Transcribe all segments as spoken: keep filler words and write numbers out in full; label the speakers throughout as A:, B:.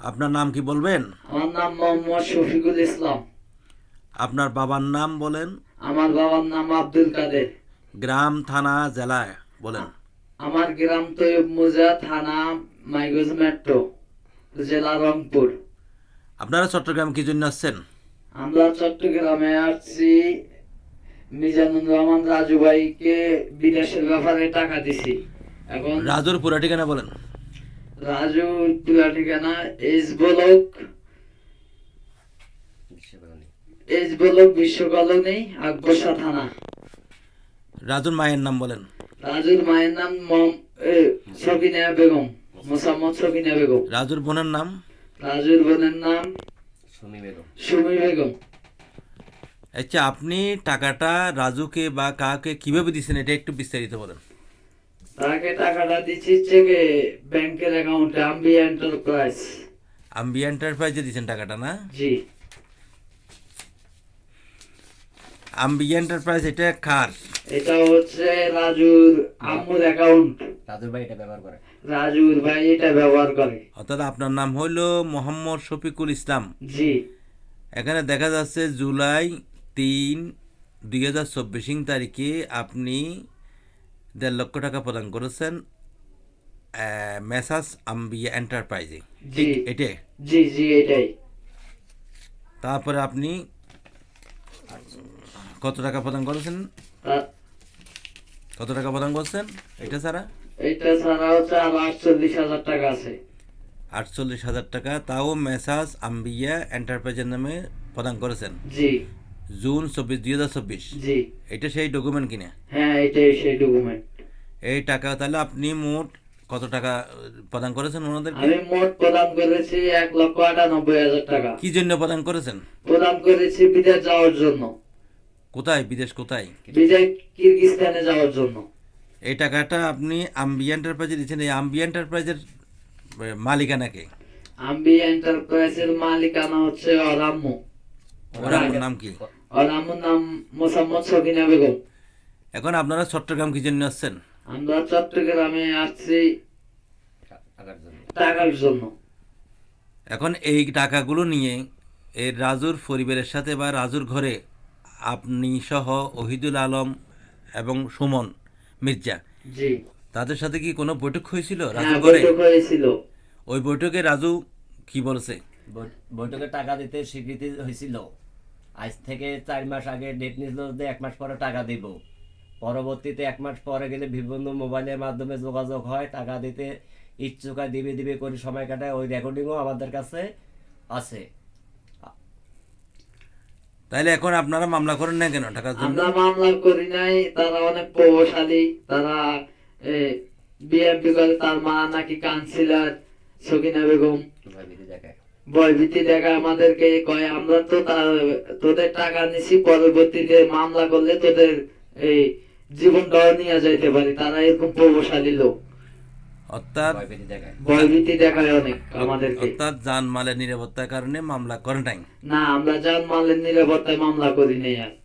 A: আপনার নাম কি বলবেন?
B: আমার নাম মোহাম্মদ শফিকুল ইসলাম।
A: আপনার বাবার নাম বলেন।
B: আমার বাবার নাম আব্দুল কাদের।
A: গ্রাম, থানা, জেলায় বলেন।
B: আমার গ্রাম তৈয়ব মুজা, থানা মাইগঞ্জ মেট্রো, জেলা রংপুর।
A: আপনারা চট্টগ্রাম কি জন্য আসছেন?
B: আমরা চট্টগ্রামে আসছি মিজানুর রহমান রাজু ভাইকে বিদেশের ব্যাপারে টাকা দিছি। এখন
A: রাজুর পুরা ঠিকানা বলেন।
B: রাজু পুরা ঠিকানা S block S block Biswa colony Akbarsha থানা।
A: রাজুর মায়ের নাম বলেন।
B: রাজুর মায়ের নাম মম- এ, সকিনা বেগম, মোসাম্মদ সকিনা বেগম।
A: রাজুর বোনের নাম?
B: রাজুর বোনের নাম
C: সুমি বেগম।
B: সুমি বেগম।
A: আচ্ছা, আপনি টাকাটা রাজুকে বা কাকে কিভাবে দিচ্ছেন এটা একটু বিস্তারিত বলেন।
B: তাকে টাকাটা দিচ্ছি চেকে ব্যাংকের অ্যাকাউন্টে, আম্বি এন্টারপ্রাইজ।
A: আম্বি এন্টারপ্রাইজে দিচ্ছেন টাকাটা না?
B: জি।
A: আম্বি এন্টারপ্রাইজ এটা কার?
B: এটা হচ্ছে রাজুর আম্মুর অ্যাকাউন্ট।
C: রাজুর ভাই এটা ব্যবহার করে।
B: রাজুর ভাই এটা ব্যবহার করে।
A: অর্থাৎ আপনার নাম হইল মোহাম্মদ শফিকুল ইসলাম।
B: জি।
A: এখানে দেখা যাচ্ছে জুলাই তিন দুই হাজার চব্বিশ তারিখে আপনি দেড় লক্ষ টাকা প্রদান করেছেন মেসাস আম্বিয়া এন্টারপ্রাইজে।
B: জি।
A: এটা
B: জি জি এটাই।
A: তারপরে আপনি কত টাকা প্রদান করেছেন?
B: তা-
A: কত টাকা প্রদান করছেন এটা ছাড়া?
B: এটা ছাড়া হচ্ছে আর আটচল্লিশ হাজার টাকা আছে।
A: আটচল্লিশ হাজার টাকা, তাও মেসাস আম্বিয়া এন্টারপ্রাইজের নামে প্রদান করেছেন
B: জি
A: জুন চব্বিশ দুই হাজার চব্বিশ।
B: জি।
A: এটা সেই ডকুমেন্ট কিনে
B: হ্যাঁ এটাই সেই ডকুমেন্ট।
A: এই টাকা তাহলে আপনি মোট কত টাকা প্রদান করেছেন ওনাদেরকে?
B: আমি মোট প্রদান করেছি এক লক্ষ আটানব্বই হাজার টাকা।
A: কি জন্য প্রদান করেছেন?
B: প্রদান করেছি বিদেশ যাওয়ার জন্য।
A: কোথায়? বিদেশ কোথায়?
B: বিদেশ কিরগিজস্তানে যাওয়ার জন্য।
A: এই টাকাটা আপনি আম্বি এন্টারপ্রাইজে দিচ্ছেন। এই আম্বি এন্টারপ্রাইজের মালিকানাকে?
B: আম্বি এন্টারপ্রাইজের মালিকানা হচ্ছে ওর আম্মু।
A: ওর আম্মুর নাম কি?
B: ওর আম্মুর নাম মোসাম্মদ সকিনা বেগম।
A: এখন আপনারা চট্টগ্রাম কি জন্য আসছেন?
B: আমরা চট্টগ্রামে আসছি
C: টাকার জন্য।
B: টাকার জন্য।
A: এখন এই টাকাগুলো নিয়ে এই রাজুর পরিবারের সাথে বা রাজুর ঘরে আপনি সহ ওহিদুল আলম এবং সুমন মির্জা
B: জি।
A: তাদের সাথে কি কোনো বৈঠক হয়েছিল
B: হ্যাঁ
A: রাজুর ঘরে?
B: বৈঠক হয়েছিল।
A: ওই বৈঠকে রাজু কি বলছে?
C: বৈ- বৈঠকে টাকা দিতে স্বীকৃতি হয়েছিল। আজ থেকে চার মাস আগে ডেট নিল যে এক মাস পরে টাকা দিব। পরবর্তীতে এক মাস পরে গেলে বিভিন্ন মোবাইলের মাধ্যমে যোগাযোগ হয়, টাকা দিতে ইচ্ছুকা দিবে দিবে করে সময় কাটায়। ওই রেকর্ডিংও আমাদের কাছে আছে।
A: তাইলে এখন আপনারা মামলা করেন না কেন টাকার জন্য?
B: আমরা মামলা করি নাই, তারা অনেক প্রভাবশালী। তারা বিএমপি করে, তার মা নাকি কাউন্সিলর সকিনা বেগম।
C: ভয়ভীতি দেখায়।
B: ভয়ভীতি দেখায় আমাদেরকে, কয় আমরা তো তা- তোদের টাকা নিছি, পরবর্তীতে মামলা করলে তোদের এই জীবনটাও নিয়ে যাইতে পারি। তারা এরকম প্রভাবশালী লোক।
A: অর্থাৎ
C: ভয়ভীতি দেখায়।
B: ভয়ভীতি দেখায় অনেক আমাদেরকে।
A: অর্থাৎ জানমালের নিরাপত্তার কারণে মামলা করে নাই।
B: না, আমরা জানমালের নিরাপত্তায় মামলা করি নাই। আর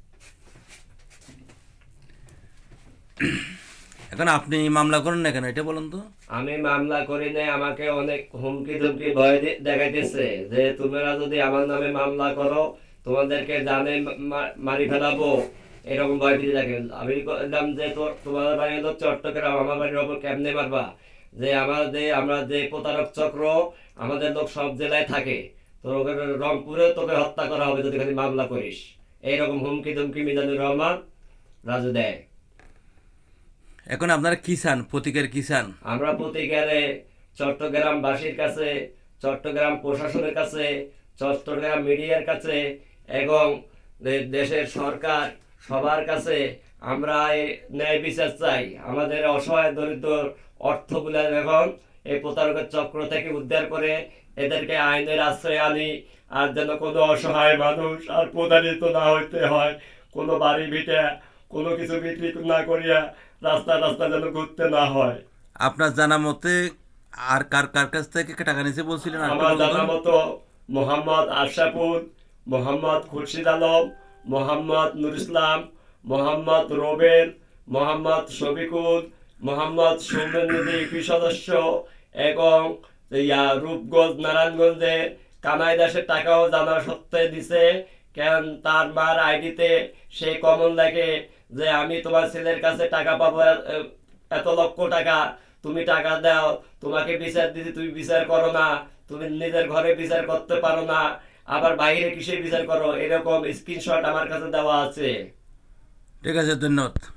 A: এখন আপনি মামলা করেন না কেন এটা বলুন তো?
C: আমি মামলা করি নাই, আমাকে অনেক হুমকি ধুমকি ভয় দে- দেখাইতেছে যে তোমরা যদি আমার নামে মামলা করো তোমাদেরকে জানে মা- মারি ফেলাবো, এরকম ভয় দিয়ে দেখেন। আমি বললাম যে তোর তোমাদের বাড়ি হলো চট্টগ্রাম, আমার বাড়ির ওপর কেমনে মারবা? যে আমার যে আমরা যে প্রতারক চক্র আমাদের লোক সব জেলায় থাকে, তোর ওখানে রংপুরে তোকে হত্যা করা হবে যদি খালি মামলা করিস। এইরকম হুমকি ধুমকি মিজানুর রহমান রাজু দেয়।
A: এখন আপনারা কি চান? প্রতিকার কি চান?
C: আমরা প্রতিকারে চট্টগ্রামবাসীর কাছে, চট্টগ্রাম প্রশাসনের কাছে, চট্টগ্রাম মিডিয়ার কাছে এবং দে- দেশের সরকার সবার কাছে আমরা এই ন্যায় বিচার চাই। আমাদের অসহায় দরিদ্র অর্থগুলো এখন এই প্রতারকের চক্র থেকে উদ্ধার করে এদেরকে আইনের আশ্রয় আনি, আর যেন কোনো অসহায় মানুষ আর প্রতারিত না হইতে হয়। কোনো বাড়ি ভিটে কোনো কিছু বিক্রি না করিয়া রাস্তা রাস্তা যেন ঘুরতে না হয়।
A: আপনার জানা মতে আর কার কার কাছ থেকে টাকা নিছে বলছিলেন? আর একটু
C: আমার
A: বলুন তো।
C: জানা মতো মোহাম্মদ আশরাফুল, মোহাম্মদ খুরশিদ আলম, মোহাম্মদ নুর ইসলাম, মোহাম্মদ রোবেল, মোহাম্মদ শফিকুল, মোহাম্মদ সৌমেন্দ্র ইউপি সদস্য এবং ইয়া রূপগঞ্জ নারায়ণগঞ্জে কানাই দাসের টাকাও জানা সত্ত্বে দিছে, কারণ তার মার আইডিতে সে কমন দেখে যে আমি তোমার ছেলের কাছে টাকা পাবো এ- এ- এত লক্ষ টাকা, তুমি টাকা দাও, তোমাকে বিচার দিতে তুমি বিচার করো না, তুমি নিজের ঘরে বিচার করতে পারো না, আবার বাইরে কিসে বিচার করো, এরকম স্ক্রিনশট আমার কাছে দেওয়া আছে।
A: ঠিক আছে, ধন্যবাদ।